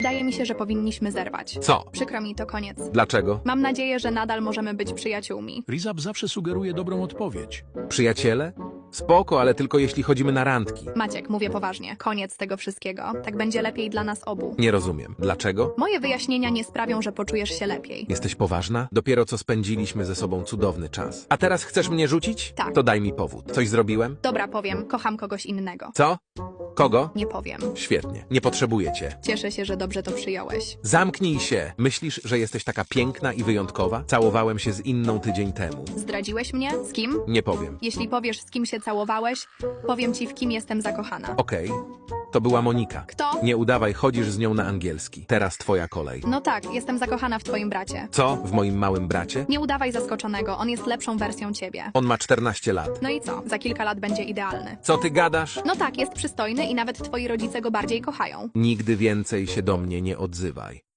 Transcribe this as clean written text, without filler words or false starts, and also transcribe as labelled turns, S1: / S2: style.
S1: Wydaje mi się, że powinniśmy zerwać.
S2: Co?
S1: Przykro mi, to koniec.
S2: Dlaczego?
S1: Mam nadzieję, że nadal możemy być przyjaciółmi.
S3: Rizab zawsze sugeruje dobrą odpowiedź.
S2: Przyjaciele? Spoko, ale tylko jeśli chodzimy na randki.
S1: Maciek, mówię poważnie. Koniec tego wszystkiego. Tak będzie lepiej dla nas obu.
S2: Nie rozumiem. Dlaczego?
S1: Moje wyjaśnienia nie sprawią, że poczujesz się lepiej.
S2: Jesteś poważna? Dopiero co spędziliśmy ze sobą cudowny czas. A teraz chcesz mnie rzucić?
S1: Tak.
S2: To daj mi powód. Coś zrobiłem?
S1: Dobra, powiem. Kocham kogoś innego.
S2: Co? Kogo?
S1: Nie powiem.
S2: Świetnie. Nie potrzebuję cię.
S1: Cieszę się, że dobrze to przyjąłeś.
S2: Zamknij się. Myślisz, że jesteś taka piękna i wyjątkowa? Całowałem się z inną tydzień temu.
S1: Zdradziłeś mnie? Z kim?
S2: Nie powiem.
S1: Jeśli powiesz, z kim się całowałeś, powiem ci, w kim jestem zakochana.
S2: Okej. To była Monika.
S1: Kto?
S2: Nie udawaj, chodzisz z nią na angielski. Teraz twoja kolej.
S1: No tak, jestem zakochana w twoim bracie.
S2: Co? W moim małym bracie?
S1: Nie udawaj zaskoczonego, on jest lepszą wersją ciebie.
S2: On ma 14 lat.
S1: No i co? Za kilka lat będzie idealny.
S2: Co ty gadasz?
S1: No tak, jest przystojny i nawet twoi rodzice go bardziej kochają.
S2: Nigdy więcej się do mnie nie odzywaj.